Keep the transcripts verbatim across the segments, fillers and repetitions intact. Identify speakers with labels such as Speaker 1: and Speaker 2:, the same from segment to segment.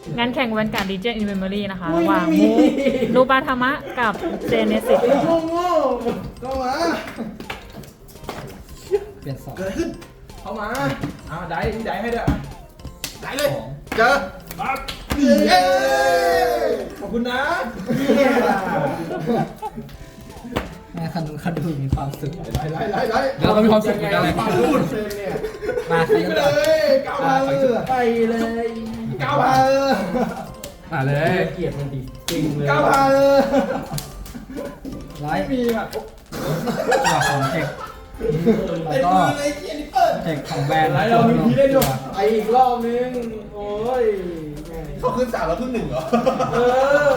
Speaker 1: งานแข่งวันการดีเจอินเมมโมรี่นะคะระหว่างมูนูบาธามะกับเจเนซิส
Speaker 2: โง่โง่เข้ามา
Speaker 3: เปลี่ยนสอง
Speaker 2: เกิดอะไรขึ้นเข้ามาอ้าวได้ได้ให้ด้วยได้เลย
Speaker 3: สอง
Speaker 2: เจอปั๊บเย้ขอบคุณนะ
Speaker 3: แม่คันดูคันดูมีความสุข
Speaker 2: ไล่ไล่ไล่ไล่
Speaker 3: แล้วเรามีความสุขเหมือนกันเลย
Speaker 2: ความพูดเนี่ย
Speaker 3: มาใคร
Speaker 2: ไป
Speaker 3: ก็
Speaker 2: เล
Speaker 3: ได้
Speaker 2: ยก้าวมาไปเลยก้าวมา
Speaker 3: มาเลย
Speaker 2: เกลียดมันดีจริงเลยก้าวมา
Speaker 3: ไล
Speaker 2: ไม่
Speaker 3: ท์
Speaker 2: มีแบบ
Speaker 3: ตัวของเทคแล้วก็
Speaker 2: เลยเกลียดนี่เปิด
Speaker 3: เทคของแบรนด์
Speaker 2: ไล่เรามีพีได้ด้วยไออีกรอบนึงโอ้ยเขาขึ้นสามแล้วขึ้นหนึ่งเหรอเออ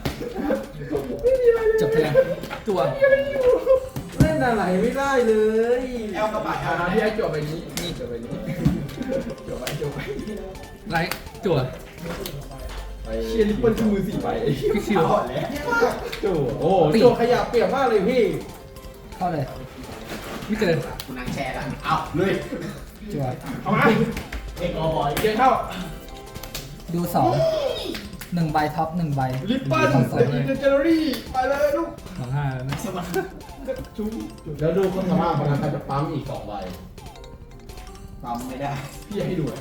Speaker 3: จบเพลงตัว
Speaker 2: เล่นอะไรไม่ได้เลยแอลกระบะอ่ะพี่ไอ้จบไปนี้นี่จบไปนี้จบไปจบไป
Speaker 3: ไลท์จั่ว
Speaker 2: เชียร์ลิปเปิลคือมือสี่ใบ
Speaker 3: พี่คิว
Speaker 2: เอาแล้วจู่โอ้จู่ขยับเปรียบมากเลยพี่
Speaker 3: เข้าเลยไม่เจอ
Speaker 4: คุณนั่งแชร์กันเอาเลย
Speaker 3: จั่ว
Speaker 2: เอามา
Speaker 4: เอ็กซ์บอย
Speaker 2: เกียร์เข้า
Speaker 3: ดูสองหนึ่งใบท็อปหนึ่งใบ
Speaker 2: ลิปเปิล
Speaker 3: สองสอง
Speaker 2: เด
Speaker 3: เลย
Speaker 2: นเจอรี่ไปเลยลูก
Speaker 3: สองห้าแล้วนะ
Speaker 2: จุ๊บแล้วดูคนสภาพคนนั้นเขาจะปั๊มอีกสองใบ
Speaker 4: ปั๊มไม่ได้
Speaker 2: พี่ให้ดูเลย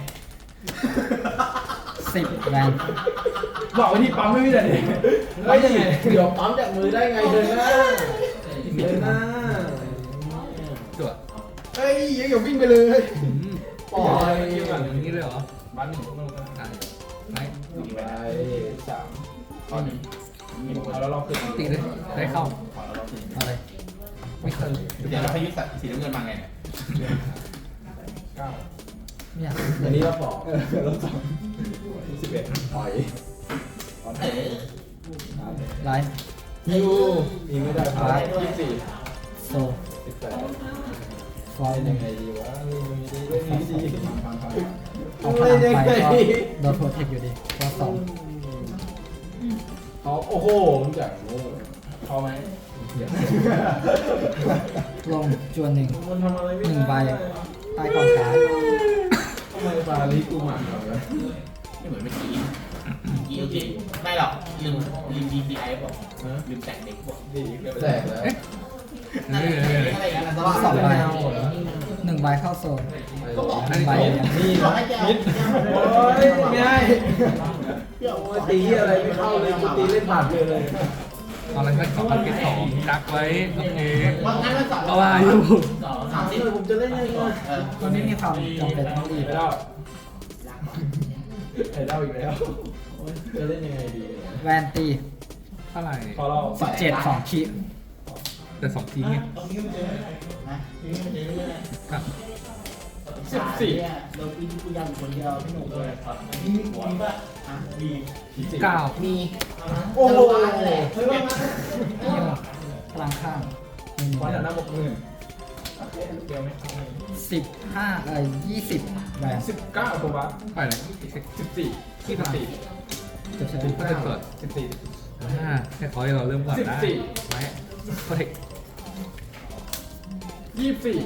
Speaker 3: สิบแบรนด์
Speaker 2: บอกไว้ที่ปั๊มไม่มีแต่เด็กเฮ้ยยังไงเดี๋ยวปั๊มจากมือได้ไงเดินหน้าเดินหน้า
Speaker 3: จั่ว
Speaker 2: เฮ้ยยังอย่าวิ่งไปเลย
Speaker 3: อืม
Speaker 2: ปล่อย
Speaker 3: อย่างนี้เลยเหรอ
Speaker 2: บ้านหนึ่ง
Speaker 3: อ่ะไลท์
Speaker 2: ไปสามข้อนี้เอาแล้วเราขึ้น
Speaker 3: ตีเลยได้เข้าเอาเลยไม่เคย
Speaker 4: เดี๋ยวเราพยุทธ์สีน้ำเงินมาไงเนี่ย
Speaker 2: เก้า
Speaker 3: ไม่อยาก
Speaker 2: อันนี้เราสองเราสองสิบเอ็ดปล่อย
Speaker 4: เอ๋
Speaker 3: ไลท์
Speaker 2: ยูยิงไม่ได้ครับยี่สิบสี่
Speaker 3: โซ
Speaker 2: สิบแปด
Speaker 3: ฟอร์
Speaker 2: เล่น
Speaker 3: หนึ่
Speaker 2: ยัง
Speaker 3: ง
Speaker 2: ไงดีวะเล่นยังไงดีเล่นยังไงดี
Speaker 3: เอาพลังไปก็โดนโปรเทคอยู่ดีก็สอง
Speaker 2: เขาโอ้โหมันจากโง่เขาไหม
Speaker 3: ลงจวนหนึ่ง
Speaker 2: มันทำอะไรไม่
Speaker 3: ห
Speaker 2: ได้
Speaker 3: นึ่งใบใต้กองการ์ด
Speaker 2: ทำไมบาลีกูหมันเหรอ
Speaker 4: ไม่เหมือนเมื่อกี้กี้จริงไม่หรอกลืมลืมดีซีไอบอกลืมแต่งเด็กบอก
Speaker 2: ดีแตกแล้ว
Speaker 4: นั่นอะไรอย่างนั้นแต่ว่า
Speaker 3: สองใบหนึ่งใบเข้าโซน
Speaker 4: ก็บอก
Speaker 3: หนึ่งใบยัง
Speaker 2: นี่
Speaker 4: บอกให้แก
Speaker 2: มิดโอ้ยง่ายโอ้ยตีอะไรไม่เข้าเลยกูตีเล่นผ่านเลยเลย
Speaker 5: ตอนแรกก็สองพันเก็บสองดักไว้โอเค
Speaker 4: วันนั้นมันสอง
Speaker 5: ก็ว่าอยู่
Speaker 4: สองสามสิบ
Speaker 2: ผมจะเล่นยังไง
Speaker 4: เออ
Speaker 3: ตอนนี้มีความจำเป็นต้องรีบ
Speaker 2: ไปแล้วไอ้เล่าอีกแล้วจะเล่นยังไงดี
Speaker 3: แวนตี
Speaker 5: เท่าไหร่
Speaker 2: พอเรา
Speaker 3: สิบเจ็ดสองขีด
Speaker 5: แต่สองทีไง
Speaker 4: นะ
Speaker 5: ครับ
Speaker 2: สิบสี่
Speaker 4: เราพี่กูยังคนเดียวพี่หนุ่มเลยมีมีป่ะอ่ะมี
Speaker 5: เก้า
Speaker 4: มี
Speaker 2: โอ้โห
Speaker 4: เฮ้ยว่ามา
Speaker 3: เยี่ยมพลังข้างหนึ่ง
Speaker 2: วันหน้าบกหมื่นเดียวไหม
Speaker 3: สิบห้าเอ้ยยี่สิบแวน
Speaker 2: สิบเก้าตัวบัส
Speaker 5: ไปเลย
Speaker 2: สิบสี่สิบสี่
Speaker 3: จะใช้
Speaker 5: ก็จะเกิด
Speaker 2: สิบสี่
Speaker 5: ห้าแค่ขอให้เราเริ่มก่อนได้
Speaker 2: สิบสี่
Speaker 5: ไว้โปรเทค
Speaker 2: ยี่สิบสี่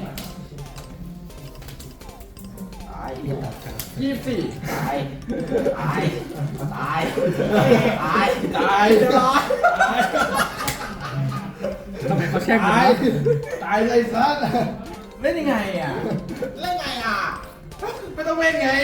Speaker 4: ตาย
Speaker 3: เรียบตัดกัน
Speaker 2: ยี่สิบสี่
Speaker 4: ตายตายตายตาย
Speaker 2: ตายเรียบร้อย
Speaker 5: ทำไมเขาแช่งกัน
Speaker 2: ตายว
Speaker 5: ะ
Speaker 2: ตายเลยซัดเล่นยังไงอ่ะ
Speaker 4: เล่นไงอ่ะ
Speaker 2: ไม่ต้องเล่นไง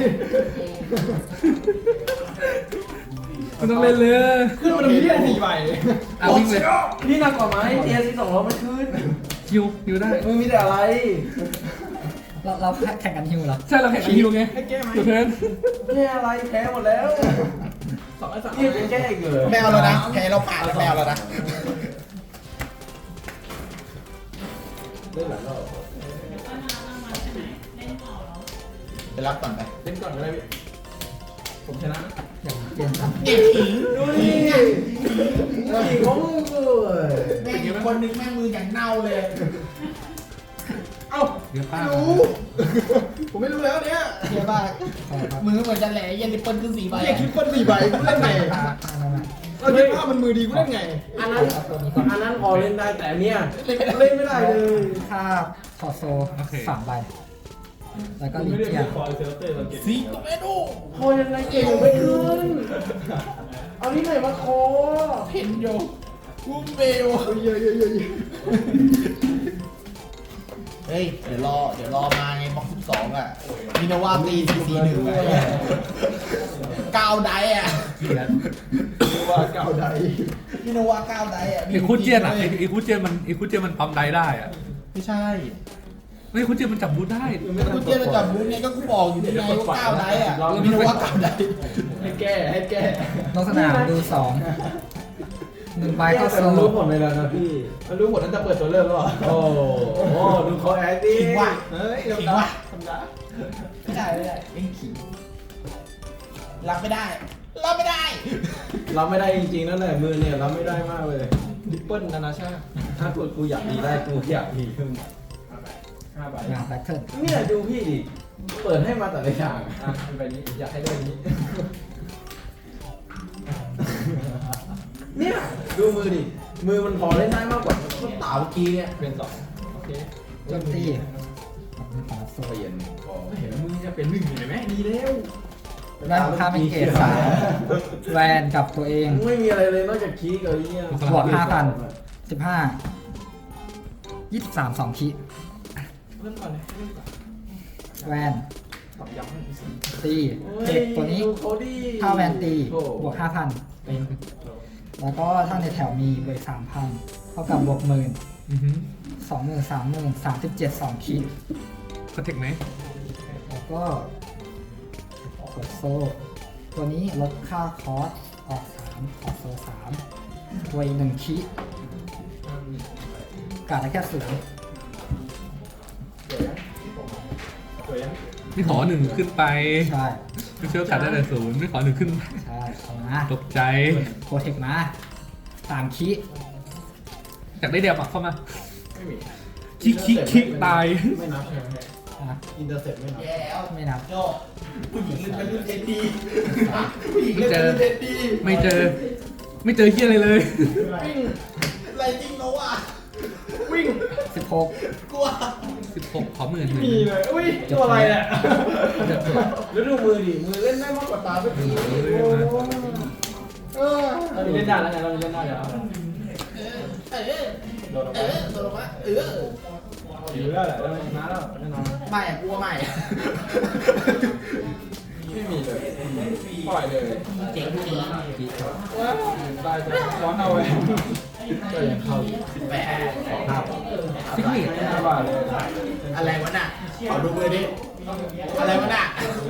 Speaker 5: มันต้องเล่นเลย
Speaker 2: ขึ้นมาตรงนี้ได้สี่ใบ
Speaker 5: อ่ะวิ่งเลย
Speaker 2: นี่หนักกว่าไหมเทียร์ที่สองร้อยมันขึ้น
Speaker 5: ฮิวฮิวได้
Speaker 2: มึงมีแต่อะไร
Speaker 3: เราเราแข่งกันฮิวเหรอ
Speaker 5: ใช่เราแข่งกันฮิวไง
Speaker 2: ให้แก้ไหม
Speaker 5: ตัวเทิร์น
Speaker 2: แก้อะไรแพ้หมดแล้วสองไอ้สามนี่จะแก้อีกเหรอ
Speaker 4: แมวแล้วนะแพ้เราผ่านแมวแล้วนะ
Speaker 2: เล่นหลายรอบ
Speaker 4: ไปรับก่อนไป
Speaker 2: เล่นก่อนก็ได้พี่ผมชนะ
Speaker 3: อย่างเปลี่ยนซ้ำ
Speaker 4: เด็กผี
Speaker 2: ดูนี่ผีของมึงกู
Speaker 4: แม่งคนนึงแม่งมืออย่างเน่าเลย
Speaker 2: เอ้า
Speaker 5: เดี๋ยวป้า
Speaker 2: ไม่รู้ ผมไม่รู้แล้วเนี่ย
Speaker 4: เฮียบ้ามือเหมือนจะแหล่ยันดิเปิลขึ้นสี่ใบ
Speaker 2: เฮียคิดคนสี่ใบกูเล่นไง
Speaker 3: ตาตาเรามา
Speaker 2: เราคิดว่ามันมือดีกูเล่นไง อันนั้น
Speaker 3: เอาตัวนี้ก่อน
Speaker 2: อันนั้นพอเล่นได้แต่อันเนี้ยเล่นไม่ได้เลย
Speaker 3: ค่าคอโซสามใบแล้วก็ลิเจียน
Speaker 4: ซีโตเมโด
Speaker 2: คอยังไงเก่งไม่ขึ้นเอาที่ไหนมาคอ
Speaker 4: เพนโยกูเบล
Speaker 2: เยอะเยอะเยอะ
Speaker 4: เฮ้ย เดี๋ยวรอ เดี๋ยวรอมาไงบล็อกสิบสองอ่ะมินาวาตีซีซีหนึ่งอ่ะก้าวไดอ่ะ
Speaker 2: ว่าเก่าใด
Speaker 4: มินาวาก้าวไดอ่ะ
Speaker 5: ไอ้คูเจียนอ่ะไอ้ไอ้คูเจียนมันไอ้คูเจียนมันปั๊มได้ได้อ่ะ
Speaker 4: ไม่ใช่
Speaker 5: ไอ้คูเจียนมันจับบูทได้
Speaker 4: กูเจียนจะจับบูธไงก็กูบอกอยู่ที่ไงว่าก้าวไดอ่ะมินาวาก้าวได
Speaker 2: ให้แก้ให้แก้
Speaker 3: ลงสนามดูสองหนึ่งใบเข้าโซ
Speaker 2: มันรู้ผลไปแล้วนะพี่มันรู้ผลตั้งแต่เปิดตัวเริ่มแล้วโอ้โหดูเขาแอคดิ
Speaker 4: ขิงว่ะ
Speaker 2: เฮ้ย
Speaker 4: ขิงว่ะไม่ได้ไม่ได้เอ็งขิงรับไม่ได้รับไม่ได้
Speaker 2: รับไม่ได้จริงๆนั่นแหละมือเนี่ยรับไม่ได้มากเลยดิปเปิลนานาชาติถ้ากูกูอยากดีได้กูอยากดีขึ้นห้าใบ
Speaker 3: งานแบทเทิล
Speaker 2: เนี่ยดูพี่ดิเปิดให้มาแต่ละอย่างอ่ะใบนี้อยากให้ได้นี้เนี่ยดูมือดิมือมันพอเล่นได้มากกว่าต้นตาเมื่อกี้เนี่ยเป็นสองโอเค
Speaker 3: โจมตีขอโซ
Speaker 2: เปลี่ยนพอเห็นมือจะเป็นหนึ่งเห็นไหมดีแล้ว
Speaker 3: แวนค่าเป็นเกรดสามแวนกับตัวเอง
Speaker 2: ไม่มีอะไรเลยนอกจากคีย์กับไอ้เนี่ย
Speaker 3: บวกห้าพันสิบห้ายี่สิบสามสองคี
Speaker 2: เริ่มก่อนเลยเริ่มก่อน
Speaker 3: แวน
Speaker 2: ตอบย้ำให้พี่สิ
Speaker 3: ตีเด็กตัวนี้
Speaker 2: ดูเขาดิ
Speaker 3: ถ้าแวนตี
Speaker 2: โอ้
Speaker 3: บวกห้าพันแล้วก็ถ้าในแถวมีบวกสามพันเท่ากับบวกหมื่น
Speaker 5: อือหือ
Speaker 3: สองหมื่นสามหมื่นสามสิบเจ็ดสองคี
Speaker 5: คอนเทคไหม
Speaker 3: แล้วก็กดโซ่ตัวนี้ลดค่าคอสออกสามออกโซ่สามตัวอีกหนึ่งคีกาดได้แค่ศูนย์
Speaker 2: สวยยัง
Speaker 5: ไม่ขอหนึ่งขึ้นไป
Speaker 3: ใช่
Speaker 5: ไม่เชื่อกัดได้แต่ศูนย์ไม่ขอหนึ่งขึ้นไป
Speaker 3: ใช่เอามา
Speaker 5: ตกใจ
Speaker 3: โปรเทคมาสามคี
Speaker 5: อยากได้เดียวมาเข้ามา
Speaker 2: ไม่มี
Speaker 5: คิกคิกคิกตาย
Speaker 2: ไม่นับใช่ไหม
Speaker 3: อ่ะ
Speaker 2: อินเตอร์เซ็ปไม่นับ
Speaker 4: แย่แล้ว
Speaker 3: ไม่นับ
Speaker 4: โจผู้หญิงเล่นเป็นรุ่นเอ็นดีผู้หญิงเล่นเป็นรุ่นเอ็นดี
Speaker 5: ไม่เจอ ไม่เจอเฮียอะไรเลย
Speaker 2: วิ่ง
Speaker 4: อะไรจริงโนอ่ะ
Speaker 2: วิ่ง
Speaker 3: สิบหก
Speaker 4: กลัว
Speaker 5: สิบหกขอหมื่นหนึ่ง
Speaker 2: มีเลยอุ้ยตัวอะไรเนี่ยแล้วดูมือดิมือเล่นได้มากกว่าตาไปทีเออเราเล่นได้แล้วไงเราเล่นได้แล้ว
Speaker 4: เออ
Speaker 2: โดนออก
Speaker 4: เอ
Speaker 2: ไป
Speaker 4: อโดนลงมาเออ
Speaker 2: ถือแล้วแหละแล้วชนะแล้วแน่นอน
Speaker 4: ไม่อะกลัวไม่อะ
Speaker 2: ไม่มีเลยปล่อยเลย
Speaker 4: เจ๋งจริง
Speaker 2: ว้าวได้จะร้อนเอาไว้ก็ยังเข้าอยู่
Speaker 4: สิบแปด
Speaker 2: ครับ
Speaker 5: ซิกเนต
Speaker 2: ห้าบาทเลย
Speaker 4: อะไรวะน่ะขอดูมือดิอะไรวะน่ะ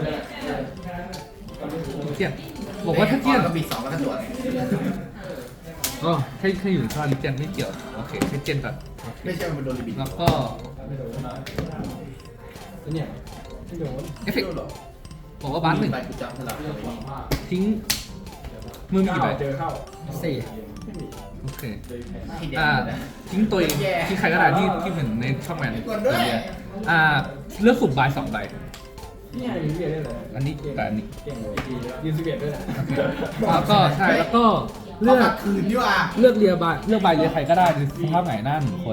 Speaker 5: เจียนบอกว่าถ้าเจียน
Speaker 4: ก็ปิดสองแล้วก็สวน
Speaker 5: อ๋อแค่แค่อยู่ในท่าลิเจียนไม่เกี่ยวโอเคแค่เจียนก่อน
Speaker 4: ไม่ใช่มันโดนลิบิด
Speaker 5: แล้วก็
Speaker 2: ไม่โดนเนี่ยไม่โดน
Speaker 5: เอฟเฟกต์บอกว่าบ้านหนึ่ง
Speaker 4: ไปกูจำสลับเลย
Speaker 5: ทิ้งมือมีกี่ใบ
Speaker 2: เจอเข้า
Speaker 3: สี่
Speaker 2: ไม่มี
Speaker 5: โอเค
Speaker 4: ที่เด็ก
Speaker 5: อ่า
Speaker 4: นะ
Speaker 5: ทิ้งตัวเองทิ้งใครก็ได้ที่ที่เหมือนในช่องแมน
Speaker 4: กดด้วย
Speaker 5: อ่าเลือกสุ่มใบสองใบ
Speaker 2: นี่ไงยืนสิบเอ็ดได้เลย
Speaker 5: อันนี้กับอันนี้
Speaker 2: เก่งเลยยืนสิบเอ็ดด้วยนะ
Speaker 5: แล้วก็ใช่แล้วก็เลื
Speaker 4: เลื
Speaker 5: อ
Speaker 4: อก กคืนดีกว่า
Speaker 5: เลือกเรียใบเลือกใบเรียใครก็ได้ในสภาพไหนหน้าหนึ่งคน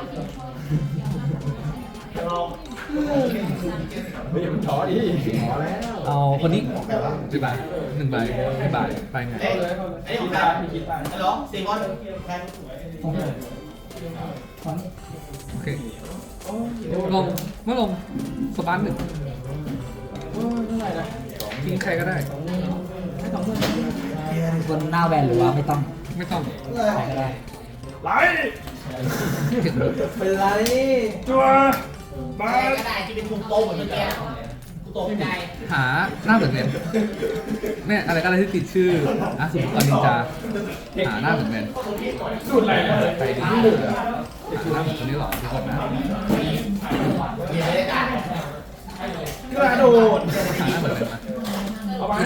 Speaker 2: เฮ้ยมันท้อดิท้อแล้ว
Speaker 5: เอาคนนี้กี่ใบหนึ่งใบไม่ใบใบไง
Speaker 4: เอ้ยไอ้ของใครฮัลโหลซีมอนใคร
Speaker 3: ผมตอนนี้
Speaker 5: โอเคลงเมื่อลงสปาร์หนึ่ง
Speaker 2: โอ้ยเท่าไหร่นะ
Speaker 5: ทิ้งใครก็ได้
Speaker 2: ไม่สองหมื่น
Speaker 3: บนหน้าแวนหรือว่าไม่ต้อง
Speaker 5: ไม่ต้อง
Speaker 3: ใครก็ได้
Speaker 2: ไหล
Speaker 5: เห็น
Speaker 2: เป็นไรจัว
Speaker 4: ใครก็ได้ที่เป็นพุงโตเหมือนเมื่อกี้กูตกใจ
Speaker 5: หาหน้าเหมือนแมนเนี่ยอะไรก็ได้ที่ติดชื่ออ่ะสมมติตอนนินจาหาหน้าเหมือนแมน
Speaker 2: สูตรอะไรนะ
Speaker 5: ใจดีที่หนึ่งหาหน้าเหมือนคนนี้หรอทุกคนนะ
Speaker 4: เดี๋ยวได้กัน
Speaker 2: กระโดด
Speaker 5: หาหน้าเหมือนแมนมา
Speaker 2: เอาไป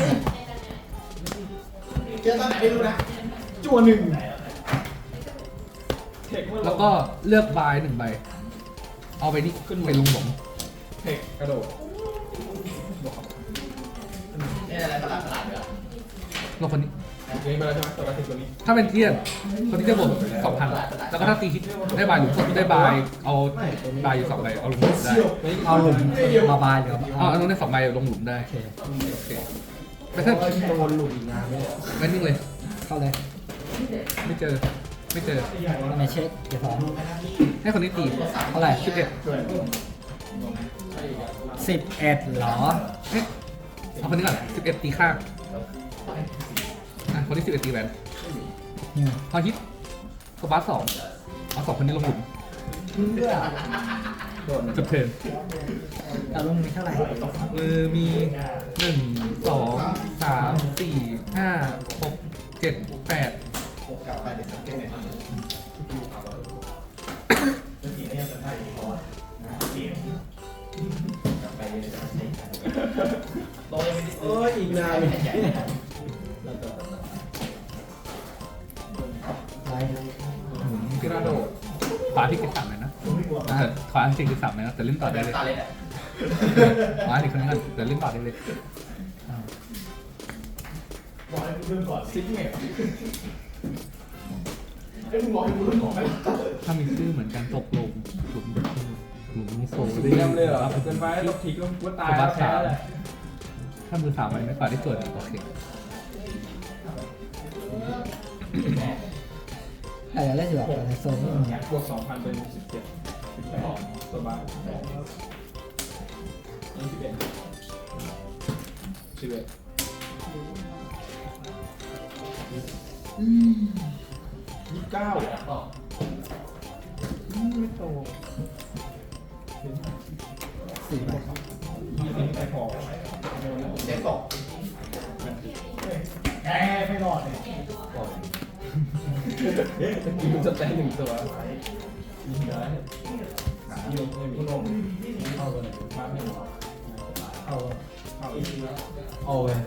Speaker 4: เจอตอนไหนไม่รู้นะ
Speaker 2: จัวหนึ่งเทคเมื่อ
Speaker 5: แล้วก็เลือกใบหนึ่งใบ เอาไปนี่ขึ้นไปลงผม
Speaker 2: เทคกระโดด
Speaker 4: นี่อะไรประหลาดประหลาดเหรอ
Speaker 5: ลงคนนี้
Speaker 4: เอ
Speaker 2: เล่นไปแล้วใช่ไหมตัวละสิบตัวนี้
Speaker 5: ถ้าเป็นเทียนคนที่จะบวกสองพันแล้วก็ถ้าตีฮิตได้บายหรือได้บายเอาบายอยู่สองใบเอาลงหลุมได้
Speaker 3: เอาหลุมมาบายหรือ
Speaker 5: เอาเอาลงได้สองใบลงหลุมได้
Speaker 3: โอเค
Speaker 5: โอเคแต่ถ้า
Speaker 2: โดนหลุดอีกนานไม่ได้
Speaker 5: ไม่นิ่งเลย
Speaker 3: เข้าเลย
Speaker 5: ไม่เจอไม่เจอ
Speaker 3: ทำไมเช็คเดี๋ยวสอง
Speaker 5: ให้คนนี้ตี
Speaker 3: เท่าไหร่
Speaker 5: สิบเอ็ด
Speaker 3: สิบเอ็ดเหรอ
Speaker 5: เอ๊ะเอาคนนี้ก่อนสิบเอ็ดตีข้างอ่ะคนที่สิบเอ็ดตีแหวน
Speaker 3: อืม
Speaker 5: พอฮิตสปาร์สองเอาสองคนนี้ลงหลุม
Speaker 3: เพื่อ
Speaker 5: จบเทิร์น
Speaker 3: เอาลงมีเท่าไหร่
Speaker 5: มือมีหนึ่งสองสามสี่ห้าหกเจ็ดแปด
Speaker 2: เอออีกนานเลย
Speaker 3: ไร
Speaker 5: หมุนพิราโดขวาที่กิจสามเลยนะอ่าขวาที่กิจสามเลยนะแต่เล่นต่อได้เลยขวาที่คนนี้กันแต่เล่นต่อได้เลย
Speaker 2: ซิกเมท
Speaker 5: ถ้ามีชื่อเหมือนกันตกลงหลุมหลุมโซ
Speaker 2: เรียมเลยเหรอเกินไปลบทิ้งก็ตายแล้วแพ้เลย
Speaker 5: ถ้ามือสามมันไม่ฝ่าที่ตัวโอเค
Speaker 3: แต่จะเล่นอยู่แบบในโซนนี่มัน
Speaker 2: บวกสองพันเป็นสิบเจ็ดสิบแปดตัวบ้านยี่สิบเอ็ดสิบเอ็ดยี่สิบเก้าไม่โต
Speaker 3: สี่ใบ
Speaker 2: ยี่สิบไม่พอเจ็ดตกแพ้ไม่รอดเลยจะกินจะแตะหนึ่งตัวยิงได้ยิงไม่มีลมเข้าเลยมาไม่หมดเข้าเข้าเอาไป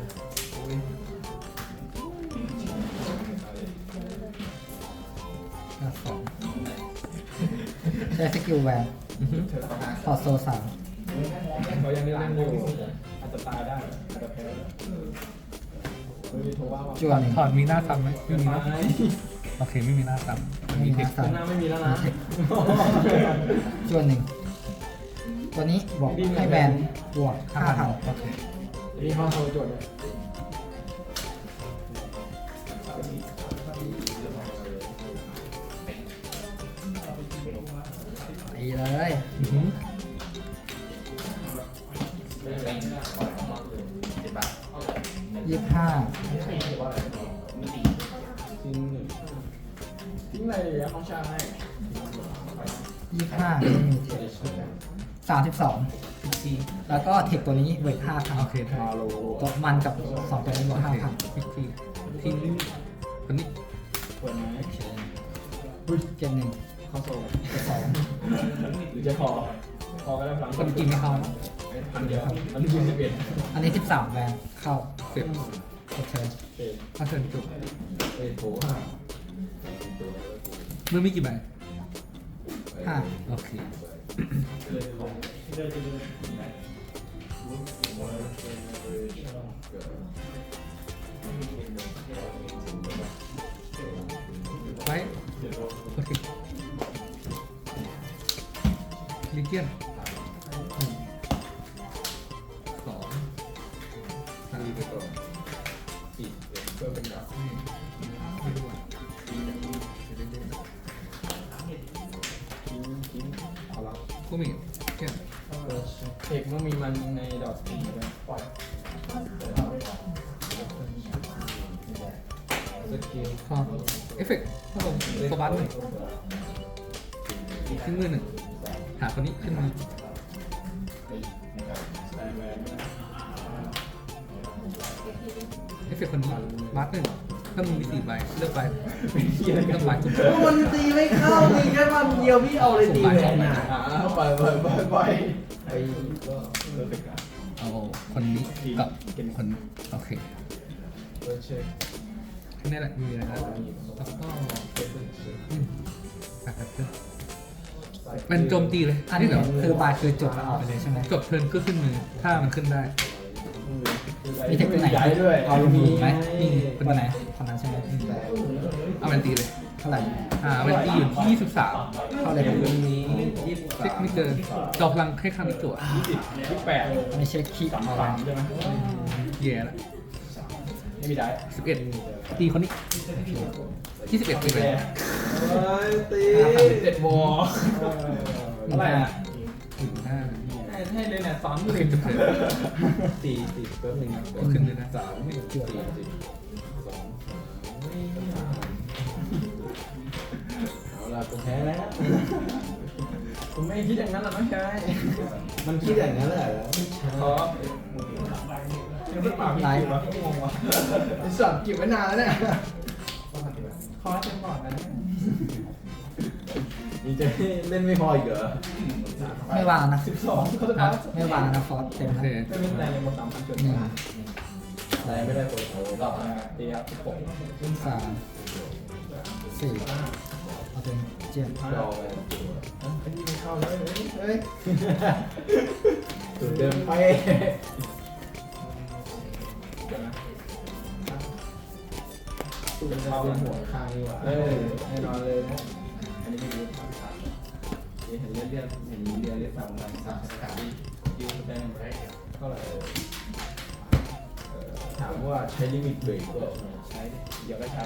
Speaker 3: หน้าสองใช้สกิลแวนถอดโซสาม
Speaker 2: เขายังเล่นอยู่อาจจะตายได้อาจจะแพ้ไม่มีโทว่าว่า
Speaker 3: จวนหนึ่ง
Speaker 5: ถอดมีหน้าซ้ำไหม
Speaker 2: ไม่
Speaker 5: ไม่มี
Speaker 2: มี
Speaker 5: หน้าโอเคไม่มีหน้าซ้ำมันมีเทค
Speaker 3: สาม
Speaker 2: หน้าไม่มีแล้วนะ
Speaker 3: จวนหนึ่งตัวนี้บอกให้แบนบวกห้าพัน
Speaker 5: โอเค
Speaker 2: นี่ห้องโซโจทย์เนี่ย
Speaker 3: ตีเลย
Speaker 5: อือหือ
Speaker 3: ยี่สิบห้า
Speaker 2: ทิ้งหนึ่งทิ้งอะไรเลยเขาชาให้
Speaker 3: ยี่สิบห้าไม่มีเทคสามสิบสองแล้วก็เทคตัวนี้เวทห้าพัน
Speaker 5: โอเค
Speaker 2: ฮาโล
Speaker 3: ตัวมันกับสองตัวนี้บวก
Speaker 5: โอ
Speaker 3: ห้า
Speaker 5: เค
Speaker 3: พัน
Speaker 5: พิกซี่ทิ้งคนนี้
Speaker 2: เปิดไหม
Speaker 3: เกมหนึ่ง
Speaker 2: เข้าโซ
Speaker 3: สอง
Speaker 2: หรือจะคอคอก็ได้พลัง
Speaker 5: คนกินไม่เข้า
Speaker 2: พันเดียวอันนี้ยี่สิบเอ็ด
Speaker 3: อันนี้สิบสามแวนเข้า
Speaker 5: เสร็จ
Speaker 3: โอเค
Speaker 2: เอ็ด
Speaker 5: ถ้าเชิญจบ
Speaker 2: เอ็ดโถ
Speaker 5: มือมีกี่ใบ
Speaker 3: ห้า
Speaker 5: โอเคไว้โอเคลิเกียนสองสาม
Speaker 2: ไปก่อนอีกเพื่อเป็นแบบ
Speaker 5: ไม่รู้อ่ะ
Speaker 2: ทิ้งทิ้งเอาละ
Speaker 5: กูมีเกียน
Speaker 2: เทคมันมีมันในดอทสีด้วยปล่อยสกิล
Speaker 5: พอเอฟเฟกต์ถ้าผมโซบัสหนึ่งขึ้นมือหนึ่งหาคนนี้ขึ้นมือ เอฟเฟกต์คนนี้บัสหนึ่งถ้ามึงมีสี่ใบเลือกใบเลือกใบสุ่ม
Speaker 2: มันตีไม่เข้าตีแค่มันเดียวพี่เอาเลยตีแรงอ่ะไปไปไปไปไปก็เลิกไปกัน
Speaker 5: เอาคนนี้กับคนโอเค
Speaker 2: เลิกเช็ค
Speaker 5: แค่นี้แหละมีอะไรนะแล้วก็อืมแบบแบบเดิมเป็นโจมตีเลย
Speaker 3: อันนี้
Speaker 5: เดี๋ยว
Speaker 3: คือบายคือจบแล้วออกไปเลยใช่ไหม
Speaker 5: จบเทิร์นก็ขึ้นมือถ้ามันขึ้นได้
Speaker 2: เ
Speaker 3: มีเทคตัวไหน
Speaker 2: ย้ายด้วย
Speaker 3: เอาลงมือไหม
Speaker 2: มี
Speaker 3: เป็นตัวไหนคนนั้นใช่ไหม
Speaker 5: เอาแวนตีเลย
Speaker 3: เท่าไหร่
Speaker 5: อ่าแวนตีอยู่ที่ยี่สิบสาม
Speaker 3: เท่าไหร่ครับ
Speaker 5: เช็คไม่เกินจอพลังแค่ครั้งนี้จั่ว
Speaker 2: ยี่สิบยี่สิบแปด
Speaker 3: อันนี้เช็คคีย์เอาไว้
Speaker 2: ใช่ไหม
Speaker 5: แย่ละ
Speaker 2: ไม่มีได้
Speaker 5: สิบเอ็ดตีคนนี้ยี่สิบเอ็ดตีไป
Speaker 2: ตีเจ็ดโมง
Speaker 3: หนึ่งห้า
Speaker 5: หนึ่งห้า
Speaker 2: ให้เลยเนี่ยสามห
Speaker 5: โอ
Speaker 2: มื่
Speaker 5: เคน จบเลย
Speaker 2: สี่สี่แป๊บนึงนะ
Speaker 5: ก็ขึ้นเลยนะ
Speaker 2: สามสี่สี่สองเอาล่ะผมแพ้แล้วผมไม่คิดอย่างนั้นหรอกน้องชายมันคิดอย่างนั้นแหละขอยังไม่ปากพี่วะงงวะไอ้สัตว์เก็บไว้นานแล้วเนี่ยขอเต็มก่อนนะนี่จะเล่นไม่พออีกเหรอ
Speaker 3: ไม่วางนะ
Speaker 2: สิบสองเขาจะ
Speaker 3: อ่ะ
Speaker 2: พัก
Speaker 3: ไม่วางนะฟอสเต็ม
Speaker 5: โอ
Speaker 3: นะ
Speaker 5: เค
Speaker 2: ไม่เป็นไรเลยหมดสามพันจุด
Speaker 3: หนึ่ง
Speaker 2: ไรไม่ได้โอ้โหรอบนะตีครับสิบหก
Speaker 3: สามสี่เอาเป็นเจ็ด
Speaker 2: รอไปอันนี้ไม่เข้าเลยเฮ้ยจุดเดิมไปตูนจะเป็นหัวคางนี่หว่าเออแน่นอนเลยนะอันนี้ไม่รู้เห็นเลือดเลือดเห็นเลือดเลือดสามพันสามสิบสามยูได้ไหมเท่าไหร่ถามว่าใช้ลิมิตเบรกก็ใช้เดี๋ยวก็ใช้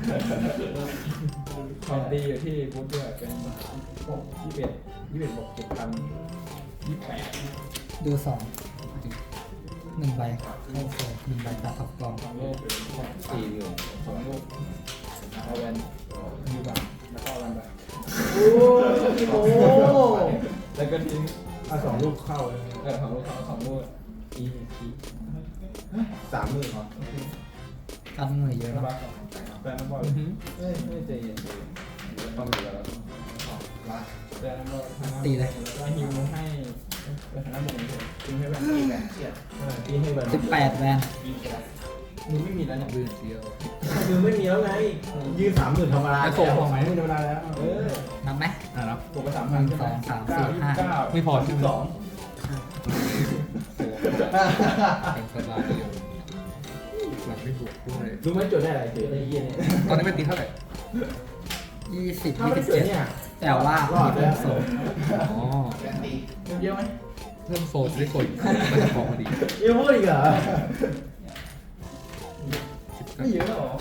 Speaker 2: ความดีอยู่ที่พุทธด้วยเป็นหกยี่สิบเอ็ดยี่สิบเอ็ดบวกเจ็ดพันยี่สิบแปด
Speaker 3: ดูสองหนึ่งใบเข้าโซ่หนึ่งใบตัดท็อปกล่อง
Speaker 2: สองลูกสี่หมื่นสองลูกเอาแวนยูบังแล้วก็เอาแวนไปโอ้โหแล้วก็ทิ้งเอาสองลูกเข้าเลยเออสองลูกเข้าสองลูกอีหนึ่งทีสามหมื่นเหรอ
Speaker 3: กันมือเยอะ
Speaker 2: นะ
Speaker 3: นะ
Speaker 2: บ้าแฟนน้ำบอลเฮ้ยไม่ใจเย็นต้องอยู่แล้วแฟนน้ำบอลแล้วฮิวให้ไปทางน้ำบุญเลยทิ้งให้แวนตีแวนตีให้แวน
Speaker 3: สิบแปดแวน
Speaker 2: มึงไม่มีแล้วเนี่ย
Speaker 5: บืนเดียว
Speaker 2: มือไม่มีแล้วไงยืนสามหมื่นธรรมดาสองหมื่นธรรมดาแล้วเออ
Speaker 3: นับไหม
Speaker 5: อ่ะรับ
Speaker 2: ปกติสามพันใช่ไหมเก้า
Speaker 5: ไม่พอใช่ไหม
Speaker 2: สอง
Speaker 5: เป็นสบายเดียวหลังไม่บวกด้วย
Speaker 2: รู้ไหมโจทย์ได้อะไรเสือได้ยี่เนี่ย
Speaker 5: ตอนนี้เป็นตีเท่าไหร่
Speaker 3: ยี่สิบ
Speaker 2: ถ้า
Speaker 3: ยี่
Speaker 2: ไม่
Speaker 3: สิบ
Speaker 2: เสือ
Speaker 3: เจ็ด
Speaker 2: เนี่ย
Speaker 3: แต่ว่าร
Speaker 2: อดแล้ว
Speaker 3: โซ่
Speaker 5: อ๋อ
Speaker 2: เยอะไหม
Speaker 5: เพิ่มโซนจะได้กดมันจะพอพอดี
Speaker 2: เยอะพูดอีกเหรอไม่เยอะหรอ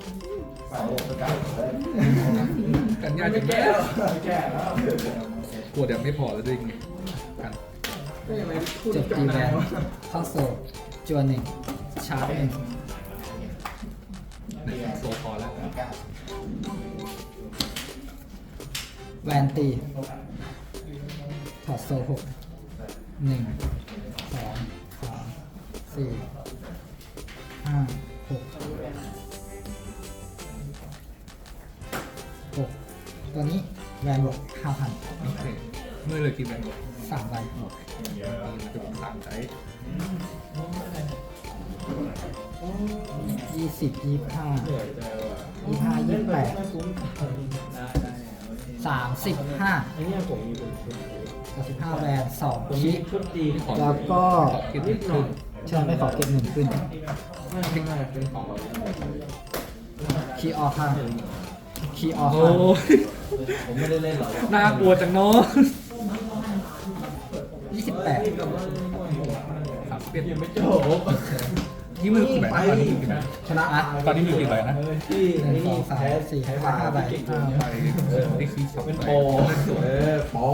Speaker 5: กันยาก
Speaker 2: ไม่
Speaker 5: จะ
Speaker 2: แก้
Speaker 5: แก้
Speaker 2: แล้วไม่แก้แล้ว
Speaker 5: กลัวเดี๋ยวไม่พอแล้วด้วยไงกัน
Speaker 2: ก็ยังไม่พูด
Speaker 3: จบตีแวนเข้าโซ่จวนหนึ่งชาร์จหนึ่ง
Speaker 5: หนึ่งโซพอแล้ว
Speaker 3: แวนตีถอดโซ่หกหนึ่งสองสามสี่ห้าหกหกตัวนี้แวนบวกห้าพัน
Speaker 5: โอเคเมื่อเลยกินแบงค์
Speaker 3: สามใบ
Speaker 5: ตีมันจะสามใจ
Speaker 3: ยี่สิบยี่ห้า
Speaker 2: เหนื่อยใจว่ะ
Speaker 3: ยี่ห้ายี่แปด
Speaker 2: ไม่คุ้มได้ได้
Speaker 3: สามสิบห้า
Speaker 2: ไอ้เนี่ยผมมีเป็นชุด
Speaker 3: สามสิบห้าแวนสอง
Speaker 2: ผมมี
Speaker 3: คิ
Speaker 2: ชุดตี
Speaker 5: ขอ
Speaker 3: แล้วก็
Speaker 5: กินนิดหน่อย
Speaker 3: เชิญไม่ขอเก็บหนึ่งขึ้น
Speaker 2: ไม่ไม่ไม่เป็นของเรา
Speaker 3: คีย์ออกข้างคีย์ออก
Speaker 5: โอ้
Speaker 3: ข้าง
Speaker 5: ย
Speaker 2: ผมไม่ได้เล่นหรอก
Speaker 5: น่ากลัวจังเนาะ
Speaker 3: ยี่สิบแปด
Speaker 5: สามสิบเอ็ด
Speaker 2: ยังไม่จบ
Speaker 5: นี่มือกี่ใบนะตอนนี้มือกี่ใบ
Speaker 2: ชนะ
Speaker 5: ตอนนี้มีกี่ใบนะ
Speaker 2: ที่
Speaker 3: หนึ่งสองสาม
Speaker 2: แพ้
Speaker 3: สี่
Speaker 2: แพ้
Speaker 3: ห้าใบ
Speaker 2: เก่ง
Speaker 5: ห้า
Speaker 2: เนี่ย
Speaker 5: ใบนี่คือสอง
Speaker 2: เป็น
Speaker 5: ใบ
Speaker 2: โปรเออโปร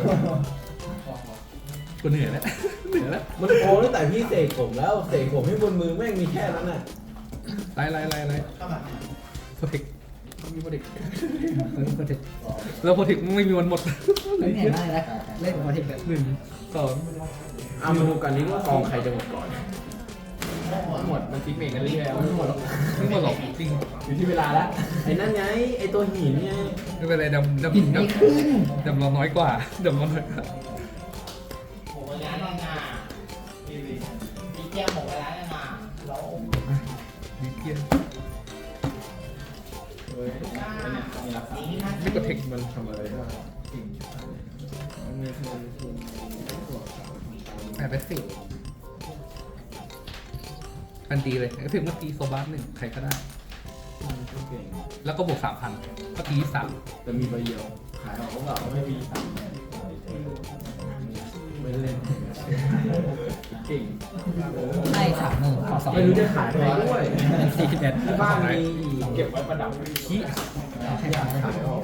Speaker 5: กูเหนื่อยแล้วเหนื่อยแล้ว
Speaker 2: มันโปรตั้งแต่พี่เสกผมแล้วเสกผมให้บนมือแม่งมีแค่นั้นน่ะ
Speaker 5: ไล่ไล่ไล่ไล่โปรเทค
Speaker 2: มีโปรเด็ก
Speaker 3: เฮ้ยโปรเทค
Speaker 5: แล้วโปรเทคไม่มีวันหมด
Speaker 3: เล่นเห็นได้แล้วเล่นโปรเทคแบบ
Speaker 5: หนึ่งสอง
Speaker 2: เอามาดูกันนี้ว่าซองใครจะหมดก่อนหมดมันติ๊กเมกกันเรื่อยๆไม่หมดหรอก
Speaker 5: ไม่หมดหรอกจริง
Speaker 2: อยู่ที่เวลาแล้วไอ้นั่นไงไอ้ตัวหินไง
Speaker 5: ไม่เป็นไรดำดำ
Speaker 3: หินไม่ขึ้น
Speaker 5: ดำเราน้อยกว่าดำเราน้อยกว่า
Speaker 4: ผมเวลาแล้วนะมีแก้วหมดเวลาแล้วนะเรา
Speaker 5: ดีเพี้ยน
Speaker 2: เฮ้ยอันเนี้ยมีราคา
Speaker 5: ไม่กดเทค
Speaker 2: มันทำอะไรได้มันมีมันมี
Speaker 5: แปดไปสิบทันตีเลยเอฟเฟกต์เมื่อกี้โซบาร์หนึ่งใครก็ได้
Speaker 2: มันเก่ง
Speaker 5: แล้วก็บวกสามพันก็ตีสาม
Speaker 2: แต่มีใบเดียวขายออกก็แบบไม่มีตังค์ไม่เล่นเก่ง
Speaker 3: ให้สามหมื่นขอสอง
Speaker 2: ไม่รู้จะขายใครด้วย
Speaker 3: เป็นสี่สิบเอ็ด
Speaker 2: ที่บ้านมีเก็บไว้ประดับ
Speaker 5: ขี้
Speaker 3: ให้สาม
Speaker 2: ขายออก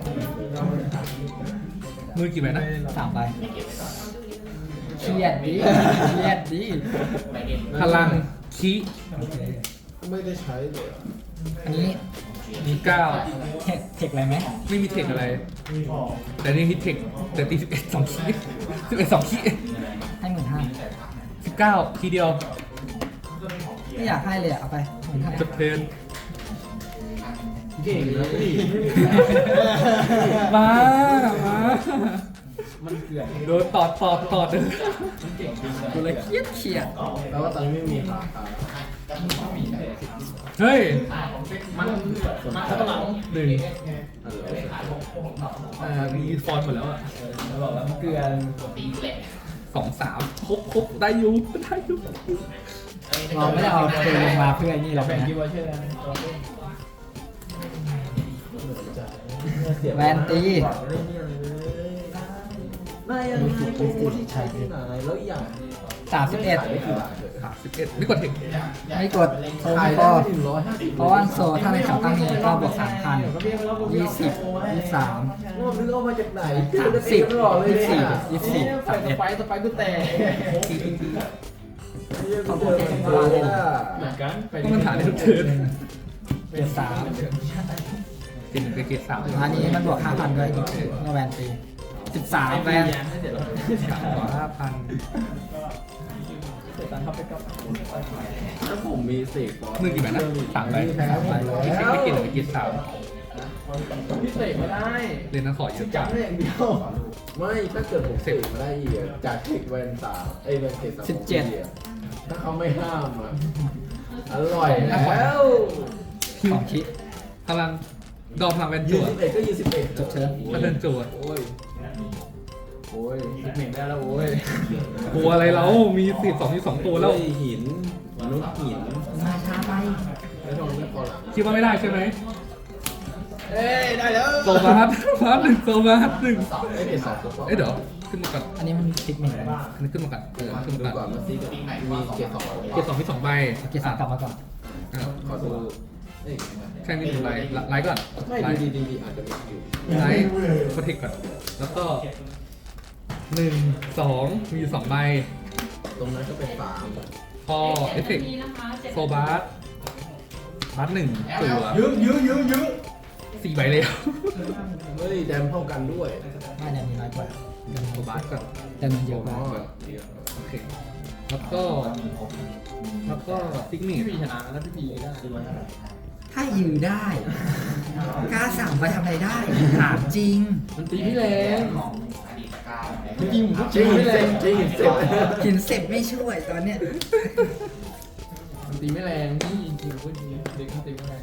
Speaker 5: มือกี่ใบนะ
Speaker 3: สามใบเครียดดิเครียดดิ
Speaker 5: พลังขี้
Speaker 3: โอเค
Speaker 2: ไม่ได้ใช้เลย
Speaker 3: อันนี้
Speaker 5: มีเก้า
Speaker 3: เทคเทคอะไรไหม
Speaker 5: ไม่มีเทคอะไร แต่นี่ฮิตเทคแต่ตีสิบเอ็ดสองขี้สิบเอ็ดสองขี้
Speaker 3: ให้หมื่นห้า
Speaker 5: สิบเก้าทีเดียว
Speaker 3: ไม่อยากให้เลยอะเอาไปหมื่นห้า
Speaker 5: จบเทิร์น
Speaker 2: เก่งนะพี่
Speaker 5: มามา
Speaker 2: มันเกลื่อน
Speaker 5: โดนตอดตอดตอดเลย
Speaker 3: กูเลยเครียดเครียด
Speaker 2: แปลว่าตอนนี้ไม่มีราคา
Speaker 5: เฮ้ย
Speaker 2: มันมันข้างหลัง
Speaker 5: หนึ่งอ่ามีฟอนต์หมดแล้วอ่ะ
Speaker 2: แล้วบอกว่ามันเกลื่อน
Speaker 5: สองสามครบครบได้อยู่ได้อยู่
Speaker 3: เราไม่ได้เอาเกมลงมาเพื่อไอ้นี่หรอก
Speaker 2: แบ่ง
Speaker 3: นะ
Speaker 2: กี่วันเชื่อนะ
Speaker 3: แวนตี
Speaker 2: นายยังมีโปรโมที่ใช้ที่ไหนแล้วอย่าง
Speaker 3: สามสิบเอ็ด
Speaker 5: สามสิบเอ็ดไม่กดเทค
Speaker 3: ไม่กดโซ
Speaker 2: ขาย
Speaker 3: ไม่
Speaker 2: ได้
Speaker 3: ก็
Speaker 2: ถึงร้อยห้าสิบ
Speaker 3: เพราะว่าโซถ้าในแถวตั้งนี้ก็บวกสามพันยี่สิบยี่สาม
Speaker 2: ว่านึกเอามาจากไหน
Speaker 3: สามสิบ
Speaker 2: ตลอดเลย
Speaker 3: ยี่สิบ
Speaker 2: เนี่ย
Speaker 3: ยี่สิบ
Speaker 2: ไปสไปสไปกูแต่
Speaker 3: เขาพูดแค่เป็นพลัง
Speaker 2: เหมือนกัน
Speaker 5: ก็มันฐานได้ทุกเทิร์น
Speaker 3: เกียร์สาม
Speaker 5: เกรดหนึ่งกับเกรดสาม
Speaker 3: อันนี้มันบวกห้าพันด้วยอีกเมื่อแวนตีสิบสามแวน
Speaker 5: สามกว่าห้าพัน
Speaker 2: ถ้าผมมีเสก
Speaker 5: มือกี่ใบนะสามใบ
Speaker 3: สามใบ
Speaker 5: เกรดไม่เกรดหนึ่งกับเกรดสาม
Speaker 2: พี่เสกไม่ได้
Speaker 5: เรียนนักขอเยอะจั
Speaker 2: จั
Speaker 5: ง
Speaker 2: บได้อย่างเดียวไม่ถ้าเกิดผมเสกมาได้อีกอะจากเทคแวนสามเอ้ยแวนเทคสามของพี่อะถ้าเขาไม่ห้ามอ่ะอร่อยแล้ว
Speaker 3: สองคิด
Speaker 5: พลังดอมพลังแวน
Speaker 2: ยี่
Speaker 5: จั่ว
Speaker 2: สิบเอ็ดก็ยี่สิบเอ็ด
Speaker 3: จบเชิญ
Speaker 5: ถ้าเดินจั่ว
Speaker 2: โอ้ยโอ้ยสิบเอ็ดได้แล้วโอ้ย
Speaker 5: กลัวอะไรเรามีสิบสองที่สองตัวแล้ว
Speaker 2: หินมนุษย์หิน
Speaker 3: มาช้าไป
Speaker 2: แล้วทำไมไม่พอหลัง
Speaker 5: คิดว่าไม่ได้ใช่ไหม
Speaker 2: เอ้ยได้แล้ว
Speaker 5: โซบาร์บาร์หนึ่งโซบาร์หนึ่ง
Speaker 2: ไอ้เด็กสองตัว
Speaker 5: เอ้ยเดี๋ยวขึ้นมาก่อน
Speaker 3: อันนี้มันคิดหนึ่งเลย
Speaker 5: อันนี้ขึ้นมาก่อนเออขึ้น
Speaker 2: ดู
Speaker 5: มา
Speaker 2: ก่
Speaker 5: ก่
Speaker 2: อ
Speaker 5: อน น
Speaker 2: มาซีกับมีเกียร์สอง
Speaker 5: เกรดสองที่สองใบ
Speaker 3: เกียร์สามกลับมาก่อน
Speaker 5: อ่ะ
Speaker 2: ขอดูเอ้ย
Speaker 5: แค่นี้หนึ่งใบไลท์ก่อน
Speaker 2: ไม่
Speaker 5: ไลท์
Speaker 2: ดีดีดีอาจจะมีอยู่
Speaker 5: ไลท์โปรเทคก่อนแล้วก็หนึ่งสองมีอยู่สองใบ
Speaker 2: ตรงนั้นก็เป็นสาม
Speaker 5: พอเอฟเฟกต์โซบาร์บาร์หนึ่งตัว
Speaker 2: ยื้อยื้อยื้อยื้อ
Speaker 5: สี่ใบเลย
Speaker 2: เฮ้ยแดมเท่ากันด้วย
Speaker 3: ไม่เนี่ยมีน้อยกว่า
Speaker 5: โซบาร์ก่อน
Speaker 3: แต่มันเยอะกว่า
Speaker 5: โอเคแล้วก็แล้วก็ซิกเนต
Speaker 2: พี่ชนะแล้วพี่พีได้
Speaker 3: ถ้ายือได้กล้าสั่งไปทำอะไรได้ถามจริง
Speaker 2: มันตีพี่แรงจริงผมก็จริงไม่แรงจริงเสร็จ
Speaker 3: หินเสร็จไม่ช่วยตอนเนี้ย
Speaker 2: มันตีไม่แรงพี่จริงก็จริงเด็กเขาตีไม่แรง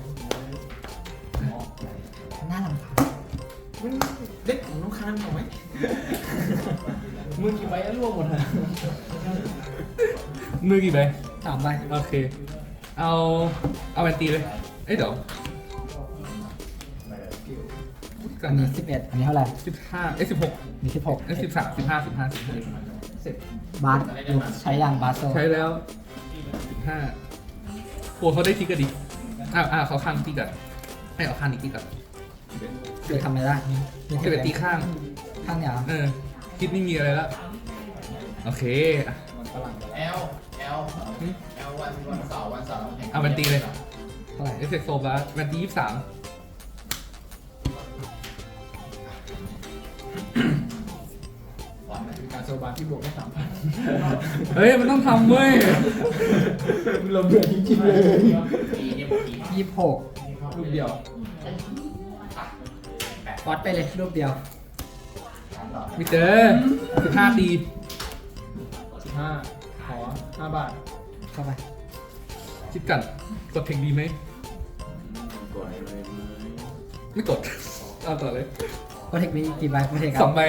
Speaker 3: น่ารำคาญ
Speaker 2: เด็กของน้องคานเอาไหมมือกี่ใบแล้วร่วงหมดเลย
Speaker 5: มือกี่ใบ
Speaker 3: สามใบ
Speaker 5: โอเค เอา เอาแวนตีเลย เอ้ยเดี๋ยวกั
Speaker 3: อั
Speaker 5: น
Speaker 3: นนี้
Speaker 5: นะ
Speaker 3: สิบเอ็ดอันนี้เท่าไหร่
Speaker 5: สิบห้าเอ้ยสิบหก
Speaker 3: มีสิบหก
Speaker 5: เอ้ยสิบสามสิบห้าสิบห้าสิบห้าสิบบ
Speaker 3: าสอยู่ใช้ยางบาสโซ
Speaker 5: ใช้แล้วสิบห้าโอ้เขาได้ทีกันดิอ้าวอ้าวเขาข้างทีกันให้เอาข้างนี้ทีกัน
Speaker 3: คือทำอะไรได้มี
Speaker 5: สิบเอ็ดตีข้าง
Speaker 3: ข้างเนี่ยเหรอ
Speaker 5: เออ คิดไม่มีอะไรแล้ว โอเคอ่ะ
Speaker 4: แอลแอลแอลวันวันเสาร์วันเสาร์
Speaker 5: เอาแวนตีเลย
Speaker 3: เท่าไหร่
Speaker 5: เอฟเฟกต์โซบาร์แวนตียี่สิบสาม
Speaker 2: การโซบาที่บวกได้สามพัน
Speaker 5: เฮ้ย มันต้องทำเว้ย
Speaker 2: เราเบื่อจริงๆเลย
Speaker 3: ยี่สิบหก
Speaker 2: ลูกเดียว
Speaker 3: วัดไปเลยรูปเดียว
Speaker 5: มิเตอร์สิบห้าตี
Speaker 2: สิบห้าขอห้าบาท
Speaker 3: เข้าไป
Speaker 5: คิดกัน กดเทคดีไหม
Speaker 2: กดเลยไหม
Speaker 5: ไม่กด เอาต่อเลย
Speaker 3: โปรเทคมีกี่ใบโปรเทค
Speaker 5: สองใบ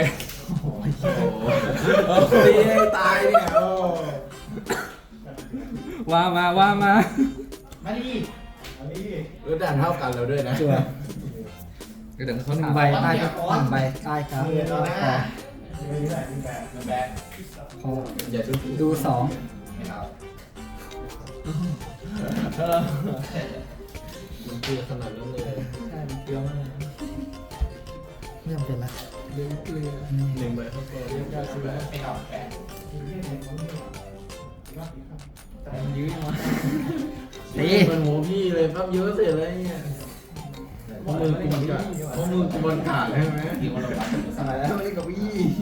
Speaker 2: โอ้ตีให้ตายเนี่ยโอ้
Speaker 5: ว่ามาว่ามา
Speaker 4: มาดิ
Speaker 2: เออด่านเท่ากันแล้วด้วยนะ
Speaker 3: จั่ว
Speaker 5: เดี๋ยวเขาห
Speaker 3: ห
Speaker 5: นึ่
Speaker 3: นึ่
Speaker 5: ง
Speaker 3: ง
Speaker 5: ใบ
Speaker 3: ใบใต้ก็หนึ่งใบใต้ครับ
Speaker 4: เรียนต่อหน้า
Speaker 3: พอพอ
Speaker 2: อย่าดูถูก
Speaker 3: ดูสอง
Speaker 4: ไม่เอา
Speaker 2: มันเกลือขนาดนั้นเลยใช่มันเกลือมาก
Speaker 3: ไม่จำเป็นละ
Speaker 2: เรื่องเกลือ
Speaker 3: อืม
Speaker 2: หนึ่งใบเข้าตัวเรียกได้ใช่ไหม
Speaker 4: ไม่เอาแปด
Speaker 2: ยื้อมา
Speaker 3: ตี
Speaker 2: มันหัวพี่เลยปั๊บเยอะเสร็จเลยเนี่ยเพราะมือกูมันกัดเพราะมือกูมันขาดใช่ไหม
Speaker 4: ที่ว่าเราไป
Speaker 2: สายแล้วไม่กับพี่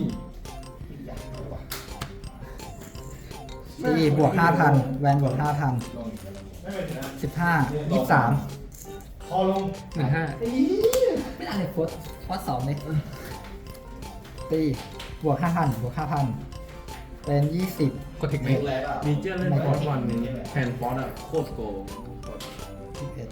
Speaker 3: ตีบวกห้าพันแวนบวกห้าพันสิบห้ายี่สิบสาม
Speaker 4: พอลง
Speaker 5: หนึ่งห้า
Speaker 3: ไม่ได้เลยโค้ดโค้ดสองเลยตีบวกห้าพันบวกห้าพันเป็นยี่สิบ
Speaker 5: กดเทคไหม
Speaker 4: แรงอ่ะ
Speaker 2: มีเจ้าเล่นฟอสวันนี้แทนฟอสอ่ะโคตรโกง
Speaker 3: สิบเอ็ด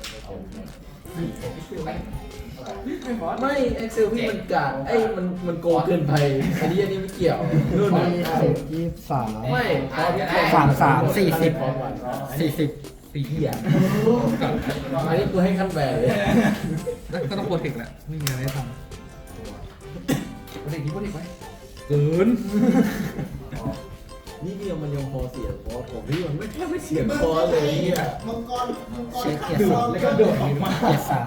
Speaker 2: ไม่เอ็กเซลพี่มันกาดไอ้มันมันโกงเกินไปอันนี้อันนี้ไม่เกี่ยวนู่น
Speaker 3: ยี่สิบยี่สิบสาม
Speaker 2: ไม่ฟอสพี่
Speaker 3: สามสามสี่สิบ
Speaker 2: ฟอสวัน
Speaker 3: สี่สิบ
Speaker 5: ตีเหี้ย
Speaker 2: อันนี้กูให้ขั้นแบนเลย
Speaker 5: แล้วก็ต้องโปรเทคแหละไม่มีอะไรให้ทำโปรเทคที่โปรเทคไว้เกิน
Speaker 2: นี่เดียวมันยังพอเสียคอผมพี่มันไม่แค่ไม่เสียคอเลยเนี่ย
Speaker 4: มังกรมังกร
Speaker 3: เช็คเกียร์สอง
Speaker 2: แล้วก็โดดออกมา
Speaker 3: เกียร์สาม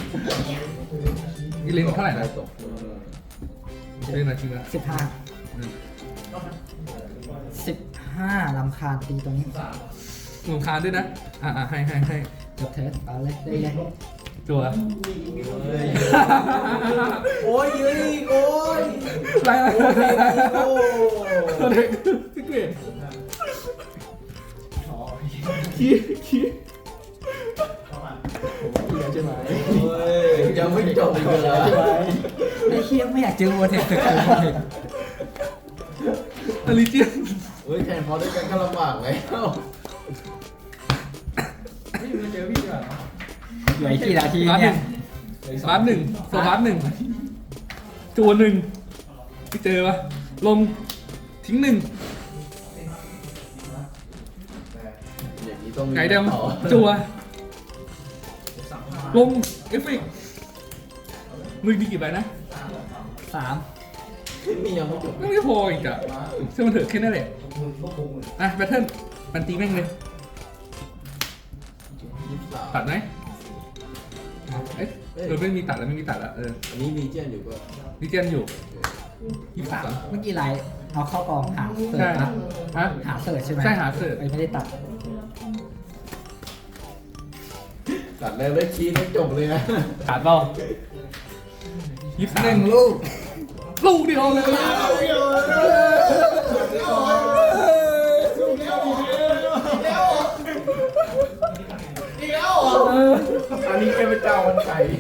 Speaker 5: นี่เล่นเท่าไหร่นะ
Speaker 2: ตก
Speaker 5: เล่นนาทีละ
Speaker 3: สิบห้า
Speaker 5: อืม
Speaker 3: สิบห้าลำคาญตีตัวนี้
Speaker 5: หนุนคานด้วยนะอ่าอ่าให้ให้ให้
Speaker 3: จบเทสเอาเลยได้เลย
Speaker 5: จัว
Speaker 2: โอ้ยยืนอีกโอ้ย
Speaker 5: ไรอะไร
Speaker 2: โอ้ย
Speaker 5: โปรเทคพี่เกรดขี้ขี้
Speaker 2: ใช่ไหมยังไม่จบอีกเลย
Speaker 3: ไอ้เคียไม่อยากเจอวัวเทคแต่คือวัวเทค
Speaker 5: อลิเจียน
Speaker 2: เฮ้ยแทนพอด้วยกันก็ลำบากแล้ว
Speaker 3: เหลืออีกกี่นาที
Speaker 5: บาสห
Speaker 3: เนี่
Speaker 5: นึ่
Speaker 3: ย
Speaker 5: งบาสหนึ่งโซบาสหนึ่งจัวหนึ่งพี่เจอปะลงทิ้งหนึ่ง
Speaker 2: อย่างนี้ต้องมี
Speaker 5: ไก่ด
Speaker 2: ต่อ
Speaker 5: ำจัวลงเอฟเฟกต์มือดีกี่ใบนะ
Speaker 3: สาม
Speaker 2: นี่ยังไม่จบ
Speaker 5: ไม่พออีกอ่ะเชื่อมันเถอะแค่นั้นแหละอ่ะแบทเทิลมันตีแม่งเลย
Speaker 2: ยี่สิบสาม
Speaker 5: ตัดไหมเอ๊ะเออไม่มีตัดแล้วไม่มีตัดแล้วเออ
Speaker 2: อันนี้มีเจนอยู่ก็
Speaker 5: ดิเจนอยู่ยี่สิบ
Speaker 3: สา
Speaker 5: สาม ม
Speaker 3: เมื่อกี้ไลน์เอาเข้ากองหาเสิร์
Speaker 5: ใช่
Speaker 3: ฟนะ
Speaker 5: ฮะ
Speaker 3: หาเสิร์ฟใช่ไหม
Speaker 5: ใช่หาเสิร์ฟ
Speaker 3: ไอ้ไม่ได้ตัด
Speaker 2: ตัดแล้วได้คีย์ได้จบเลยนะ
Speaker 5: ขาดเปล่ายี่สิบสาม
Speaker 3: หนึ่งลูก
Speaker 5: ลูกเดียวเลย
Speaker 4: อีกแล้วเหรอ
Speaker 2: อันนี้แค่เป็นเจ้าวันไก่